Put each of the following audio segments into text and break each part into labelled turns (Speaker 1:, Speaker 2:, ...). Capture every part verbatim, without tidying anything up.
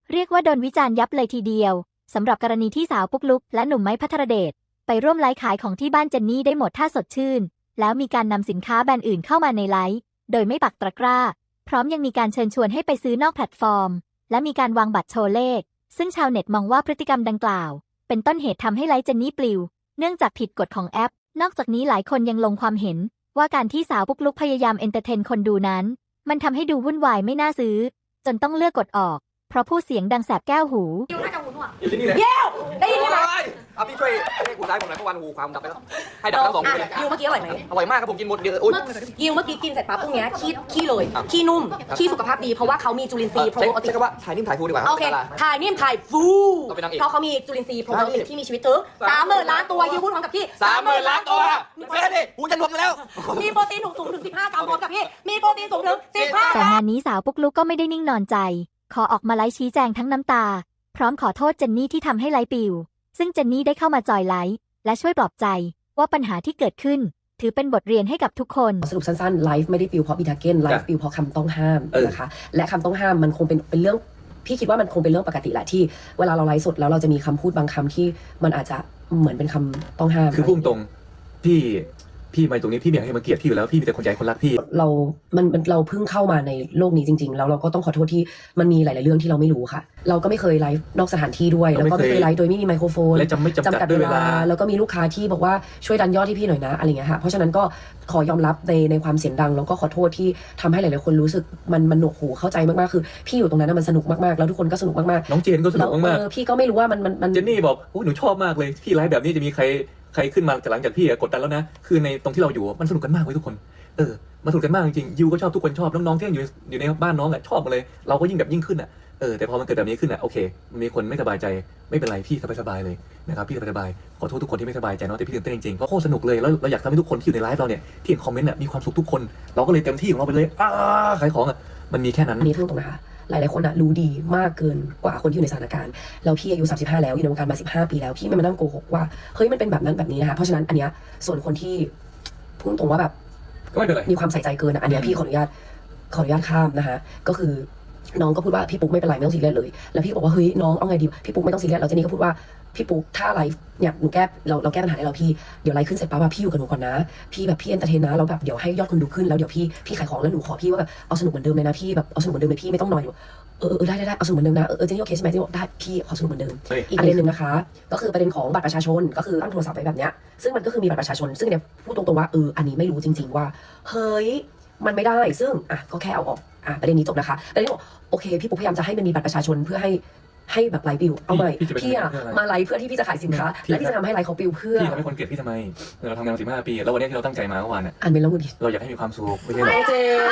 Speaker 1: เรียกว่าโดนวิจารณ์ยับเลยทีเดียวสำหรับกรณีที่สาวปุ๊กลุกและหนุ่มไม้ภัทรเดชไปร่วมไลฟ์ขายของที่บ้านเจนนี่ได้หมดท่าสดชื่นแล้วมีการนำสินค้าแบรนด์อื่นเข้ามาในไลฟ์โดยไม่ปักตะกร้าพร้อมยังมีการเชิญชวนให้ไปซื้อนอกแพลตฟอร์มและมีการวางบัตรโชว์เลขซึ่งชาวเน็ตมองว่าพฤติกรรมดังกล่าวเป็นต้นเหตุทำให้ไลฟ์เจนนี่ปลิวเนื่องจากผิดกฎของแอปนอกจากนี้หลายคนยังลงความเห็นว่าการที่สาวปุ๊กลุกพยายามเอนเตอร์เทนคนดูนั้นมันทำให้ดูวุ่นวายไม่น่าซื้อจนต้องเลือกกดออกเพราะผู้เสียงดังแสบแก้วหู
Speaker 2: ยิวน่าจะหูหนวก
Speaker 3: อยู่ที่นี่เลย
Speaker 2: เย้ได้ยินไหม
Speaker 3: เอาพี่ช่วยให้กูซ้ายผมหน่อยเพราะวันหูความดับไปแล้วให้ดับทั้งสองคนเลย
Speaker 2: ยิวเมื่อกี้อร่อยไหม
Speaker 3: อร่อยมากครับผมกินหมดเดียวอุ้ย
Speaker 2: ยิวเมื่อกี้กินเสร็จปั๊บพวกนี้ขี้ขี้เลยขี้นุ่มขี้สุขภาพดีเพราะว่าเขามีจุลินทรีย์โปรตีน
Speaker 3: ใช่ก็ว่าถ่ายนิ่มถ่ายฟูดีกว่า
Speaker 2: โอเคถ่ายนิ่มถ่ายฟูเพราะเขามีจุลินทรีย์โปรตีนที่มีชีวิตถึงสามหมื่นล้านตัวยิวพูดพร้อมกับพี่
Speaker 3: สามหมื่นล้านตัวเซ่ดิหูจะรวมกันแล้ว
Speaker 2: มีโปรตีนสูงถึงสิบห้ากรัมพร้อมกับพี่มีโปรตีนสูงถึงสิบห้า
Speaker 1: แต่งานนี้สาวปุ๊กลุกก็ไม่ได้นิ่งนอนใจขอออกมาไลฟ์ชี้แจงทั้งน้ำตาพร้อมขอโทษเจนนี่ที่ทำให้ไลฟ์ปิวซึ่งเจนนี่ได้เข้ามาจอยไลฟ์และช่วยปลอบใจว่าปัญหาที่เกิดขึ้นถือเป็นบทเรียนให้กับทุกคน
Speaker 4: สรุปสั้นๆไลฟ์ไม่ได้ปิวเพราะบีทาเก้นไลฟ์ปิวเพราะคำต้องห้ามนะคะและคำต้องห้ามมันคงเป็นเป็นเรื่องพี่คิดว่ามันคงเป็นเรื่องปกติแหละที่เวลาเราไลฟ์สดแล้วเราจะมีคำพูดบางคำที่มันอาจจะเหมือนเป็นคำต้องห้าม
Speaker 5: คือพุ่งตรงพี่พี่มาตรงนี้พี่ไม่อยากให้มันเกลียดพี่อยู่แล้วพี่มีแต่คนใจคนรักพี่
Speaker 4: เรามันเราเพิ่งเข้ามาในโลกนี้จริงๆแล้วเราก็ต้องขอโทษที่มันมีหลายๆเรื่องที่เราไม่รู้ค่ะเราก็ไม่เคยไลฟ์นอกสถานที่ด้วยแล้วก็ไม่เคยไลฟ์โดยไม่มีไมโครโฟน
Speaker 5: และจำไม่จำกัดด้วยเวลา
Speaker 4: แล้วก็มีลูกค้าที่บอกว่าช่วยดันยอดให้พี่หน่อยนะอะไรเงี้ยค่ะเพราะฉะนั้นก็ขอยอมรับในในความเสียงดังแล้วก็ขอโทษที่ทำให้หลายๆคนรู้สึกมันมันหนวกหูเข้าใจมากๆคือพี่อยู่ตรงนั้นมันสนุกมากๆแล้วทุกคนก็สนุกมาก
Speaker 5: ๆน้องเจนก็สนุกมาก
Speaker 4: ๆพี่ก็ไม่รู้ว่ามันมัน
Speaker 5: เจนนี่บอกโอ้หนูชอบมากเลยพี่ไลฟ์แบบนี้จะมีใครใครขึ้นมาหลังจากพี่กดดันแล้วนะคือในตรงที่เราอยู่มันสนุกกันมากเลยทุกคนเออมันสนุกกันมากจริงๆยูก็ชอบทุกคนชอบน้องๆที่อยู่อยู่ในบ้านน้องอ่ะชอบหมดเลยเราก็ยิ่งแบบยิ่งขึ้นอ่ะเออแต่พอมันเกิดแบบนี้ขึ้นอ่ะโอเคมันมีคนไม่สบายใจไม่เป็นไรพี่สบายๆเลยนะครับพี่สบายๆขอโทษทุกคนที่ไม่สบายใจเนาะแต่พี่ตื่นเต้นจริงๆเพราะโคตรสนุกเลยแล้วเราอยากทำให้ทุกคนที่อยู่ในไลฟ์เราเนี่ยที่เห็นคอมเมนต์อ่ะมีความสุขทุกคนเราก็เลยเต็มที่ของเราไปเลยอ้าขายของอ่ะมันมีแค่นั้น
Speaker 4: นี่เรื่องตรงนะคะหลายๆคนอะรู้ดีมากเกินกว่าคนที่อยู่ในสถานการณ์แล้วพี่อายุสามสิบห้าแล้วอยู่ในวงการมาสิบห้าปีแล้วพี่ไม่มานั่งโกหกว่าเฮ้ยมันเป็นแบบนั้นแบบนี้นะคะเพราะฉะนั้นอันเนี้ยส่วนคนที่พูดตรงว่าแบบ
Speaker 5: ก็ไม่เป็นไร
Speaker 4: มีความใส่ใจเกินอะอันเนี้ยพี่ขออนุญาตขออนุญาตข้ามนะคะก็คือน้องก็พูดว่าพี่ปุ๊กไม่เป็นไรไม่ต้องซีเรียสเลยแล้วพี่บอกว่าเฮ้ยน้องเอาไงดีพี่ปุ๊กไม่ต้องซีเรียสแล้วเจนนี่ก็พูดว่าพี่ปุ๊กถ้าไลฟ์เนี่ยหนูแก้เราเราแก้ปัญหาให้เราพี่เดี๋ยวไลฟ์ขึ้นเสร็จปั๊บพี่อยู่กับหนูก่อนนะพี่แบบพี่เอนเตอร์เทนนะแล้วแบบเดี๋ยวให้ยอดคนดูขึ้นแล้วเดี๋ยวพี่พี่ขายของแล้วหนูขอพี่ว่าแบบเอาสนุกเหมือนเดิมเลยนะพี่แบบเอาสนุกเหมือนเดิมเลยพี่ไม่ต้องนอยอยู่เออเออได้ได้ได้เอาสนุกเหมือนเดิมนะเออเจนนี่โอเคใช่ไหมเจนนี่ได้พี่ขอสนุกเหมือนเดิมอีกประเด็นหนึ่งนะคะก็คือประเด็นของบัตรประชาชนก็คือตั้งโทรศัพท์ไว้แบบเนี้ยซึ่งมันก็คือมีบัตรประชาชนซึ่งเนี่ยพูดตรงๆว่าเอออันนี้ไม่รู้จริงๆว่าเฮ้ยมันไม่ได้ซึ่งอ่ะก็แค่เอาออกอ่ะประเด็นนี้จบนะคะประเด็นนี้บอกโอเคพี่ปุ๊กพยายามจะให้มันมีบัตรประชาชนเพื่อให้ให้แบบไลฟ์ปิวเอาใหม่พี่อะมาไลฟ์เพื่อที่พี่จะขายสินค้าและพี่จะทำให้ไลฟ์เขาปิวเพื่อ
Speaker 5: พี่ทำให้คนเกลียดพี่ทำไมเราทำงานมาสิบห้าปีแล้ววันนี้ที่เราตั้งใจมาเมื่อวานเนี่ย
Speaker 4: อ่านเป็นแล้วมึง
Speaker 5: เราอยากให้มีความสุขไม่ใช่หรอ
Speaker 4: เจ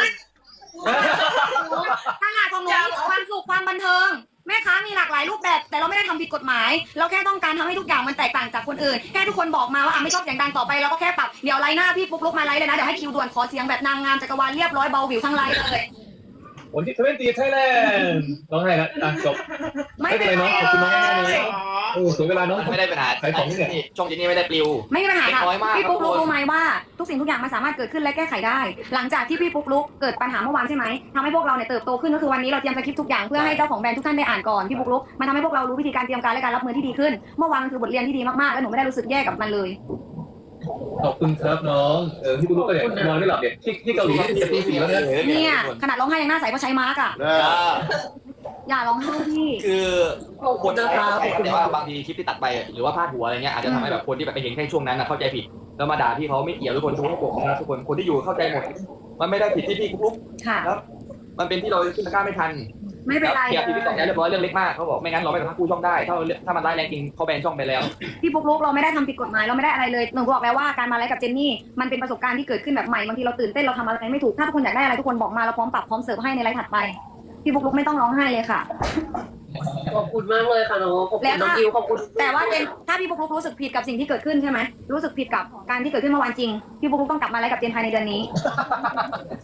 Speaker 2: ตลาดของหนูมีความสุขความบันเทิงแม่ค้ามีหลากหลายรูปแบบแต่เราไม่ได้ทำผิดกฎหมายเราแค่ต้องการทำให้ทุกอย่างมันแตกต่างจากคนอื่นแค่ทุกคนบอกมาว่าอ่ะไม่ชอบเสียงดังต่อไปเราก็แค่ปรับเดี๋ยวไลน์หน้าพี่ปุ๊กลุกมาไลฟ์เลยนะเดี๋ยวให้คิวด่วนขอเสียงแบบนางงามจักรวาลเรียบร้อยเบาวิวทั้งไลฟ์เลย
Speaker 5: วันที่ทเวนตี้ไทยแลนด์น้องให้ละอ่ะจบไม่เป็นไรน้องขอบคุณน้องมากเลยโอ้เสียเวลาน้อง
Speaker 3: ไม่ได้ปัญหา
Speaker 5: ขายของนี่
Speaker 3: ช่องจีนี่ไม่ได้ปลิว
Speaker 2: ไม่มีปัญหาค่ะพี่ปุ๊กลุกรู้ไหมว่าทุกสิ่งทุกอย่างมันสามารถเกิดขึ้นและแก้ไขได้หลังจากที่พี่ปุ๊กลุกเกิดปัญหาเมื่อวานใช่ไหมทำให้พวกเราเนี่ยเติบโตขึ้นก็คือวันนี้เราเตรียมสคริปต์ทุกอย่างเพื่อให้เจ้าของแบรนด์ทุกท่านได้อ่านก่อนพี่ปุ๊กลุกมันทำให้พวกเรารู้วิธีการเตรียมการและการรับมือที่ดีขึ้นเมื่อวานมันคือบทเรียนที่ดีมากๆและหนูไม่ได้รู้สึกแย่กับมันเลย
Speaker 5: ขอบคุณครับน้องเออพี่ปุ๊กลุกก็เนี่ยนอนไม่หลับเนี่ยที่ที่เกาหลีที่จะตีสี่แล้วเนี่ย
Speaker 2: เนี่ยขนาดร้องไห้ยังหน้าใสเพราะใช้มาร์กอ่ะอย่าร้องไห้พี่
Speaker 3: คือคนจะแต่ว่าบางทีคลิปที่ตัดไปหรือว่าพาดหัวอะไรเงี้ยอาจจะทำให้แบบคนที่แบบไปเห็นแค่ช่วงนั้นนะเข้าใจผิดแล้วมาด่าพี่เขาไม่เกี่ยวทุกคนทุกคนนะทุกคนคนที่อยู่เข้าใจหมดมันไม่ได้ผิดที่พี่ปุ๊กลุกครับมันเป็นที่เราขึ้นตะกร้าไม่ทัน
Speaker 2: ไม่เป็นไร
Speaker 3: เกียร์ที่พี่ตอกเรียบร้อยเรื่องเล็กมากเขาบอกไม่งั้นเราไม่สามารถกู้ช่องได้ถ้าถ้ามันได้แรงจริงเขาแบนช่องไปแล้ว
Speaker 2: พี่ปุ๊กลุกเราไม่ได้ทำผิดกฎหมายเราไม่ได้อะไรเลยหนูบอกแล้วว่าการมาไลฟ์กับเจนนี่มันเป็นประสบการณ์ที่เกิดขึ้นแบบใหม่บางทีเราตื่นเต้นเราทำอะไรไม่ถูกถ้าทุกคนอยากได้อะไรทุกคนบอกมาเราพร้อมปรับพร้อมเสิร์ฟให้ในไลฟ์ถัดไปพี่ปุ๊กลุกไม่ต้องร้องไห้เลยค่ะ
Speaker 4: ขอบคุณมากเลยค่ะน้องขอบคุณน้องอิวขอบคุณ
Speaker 2: แต่ว่าเจนถ้าพี่ปุ๊กลุกรู้สึกผิดกับสิ่งที่เกิดขึ้นใช่ไหมรู้สึกผิดกับการที่เกิดขึ้นเมื่อวานจริงพี่ปุ๊กลุกต้องกลับมาไลฟ์กับเจนภายในเดือนนี้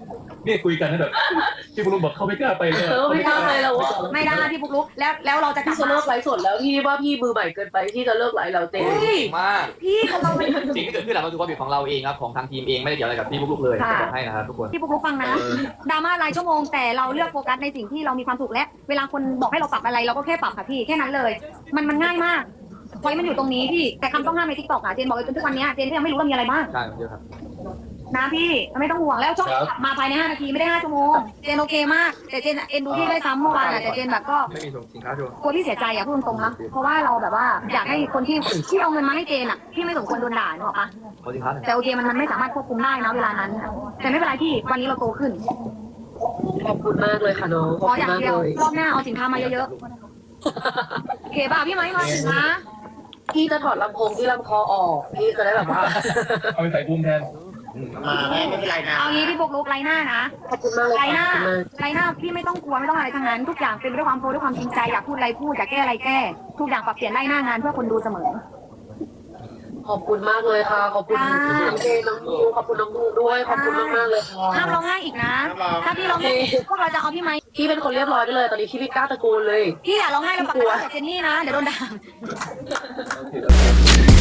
Speaker 5: นี่คุยกันนะแบบพี่บุรุษบอกเขาไม่กล้าไปเลย
Speaker 4: เออไม่กล้าไปแล้วอะ
Speaker 2: ไม่ได้พี่ปุ๊กลุกแล้วแล้วเราจะกลั
Speaker 4: พี่
Speaker 2: บ
Speaker 4: จะ
Speaker 2: มา
Speaker 4: เลิกไลฟ์สดแล้วพี่ว่าพี่มือใหม่เกินไปที่จะเลิกไลฟ์แล้วเต้
Speaker 2: เฮ้ย
Speaker 3: มาก
Speaker 2: พี่เราเป็น
Speaker 3: สิ่งที่เกิดขึ้นหลังมันคือความผิดของเราเองครับของทางทีมเองไม่ได้เกี่ยวอะไรกับพี่ลูกๆเลย
Speaker 2: ค่ะ
Speaker 3: จะบอกให้นะครับทุกคน
Speaker 2: พี่ปุ๊กลุกฟังนะดราม่ารายชั่วโมงแต่เราเลือกโฟกัสในสิ่งที่เรามีความสุขและเวลาคนบอกให้เราปรับอะไรเราก็แค่ปรับค่ะพี่แค่นั้นเลย มันมันง่ายมากพอยมันอยู่ตรงนี้พี่แต่คำต้องห้ามในทิกตอกอะเจนบอกเลยจนทุกวันนี้เจนก็ยังไม่รู้ว่ามีอะไรบ้าง
Speaker 3: ใช่เยอะครับ
Speaker 2: นะพี่ไม่ต้องห่วงแล้วช่องกลับมาภายในห้านาทีไม่ได้ห้าชั่วโมงเจนโอเคมากแต่เจนเอ็นดูพี่ได้ซ้ำเมื่อวานอะแต่เจนแบบก็
Speaker 3: ไม่มีสินค้าชัวร์
Speaker 2: กลัวพี่เสียใจอะพูดตรงๆนะเพราะว่าเราแบบว่าอยากให้คนที่ที่เอาเงินมาให้เจนอะพี่ไม่สมควรโดนด่าหรอกปะ
Speaker 3: ขอสินค้าหน่อย
Speaker 2: แต่โอเคมันมันไม่สามารถควบคุมได้นะเวลานั้น แต่ไม่เป็นไรพี่วันนี้เราโตขึ้น
Speaker 4: ขอบคุณมากเลยค่ะน้องข
Speaker 2: ข
Speaker 4: อบ
Speaker 2: อ
Speaker 4: คุ
Speaker 2: อ
Speaker 4: ณ
Speaker 2: ย่าง
Speaker 4: มาก
Speaker 2: เดียว
Speaker 4: เลย
Speaker 2: รอบหน้าเอาสินค้ามาเยอะๆโอเคป่ะพี่ไม้มาสินค้า
Speaker 4: พี่จะถอดลำโพงที่ลำคอออกพี่จะได้แบบว่า
Speaker 5: เอาไปใส่บูมแทน
Speaker 6: มาแม่ไม่เป็นไรนะ
Speaker 2: เอางี้พี่ปกลุกไรหน้านะ
Speaker 4: ขอบคุณมากเลย
Speaker 2: ไรห
Speaker 4: ค่ะ
Speaker 2: น้า
Speaker 4: ขอบคุณมาก
Speaker 2: ไรหน้าพี่ไม่ต้องกลัวไม่ต้องอะไรทั้งนั้นทุกอย่างเป็นไปด้วยความโฟด้วยความจริงใจอยากพูดอะไรพูดอยากแก้อะไรแก้ทุกอย่างปรับเปลี่ยนไล่หน้างานเพื่อคนดูเสมอ
Speaker 4: ขอบคุณมากเลยค่ะ ขอบคุณ
Speaker 2: ค่ะ
Speaker 4: น้องเจน้องนิวขอบคุณน้องนูด้วย ขอบคุณมากมากๆเลยค่ะ
Speaker 2: ห้ามร้องไห้อีกนะ ถ้าพี่ร้องไห้พวกเราจะเอาพี่ไหม
Speaker 4: พี่เป็นคนเรียบร้อยไปเลย ตอนนี้พี่ไม่กล้าตะโกนเลย
Speaker 2: พี่อย่าร้องไห้แล้วปากกาแต่เจนนี่นะเดี๋ยวโดนด่า
Speaker 5: โอเค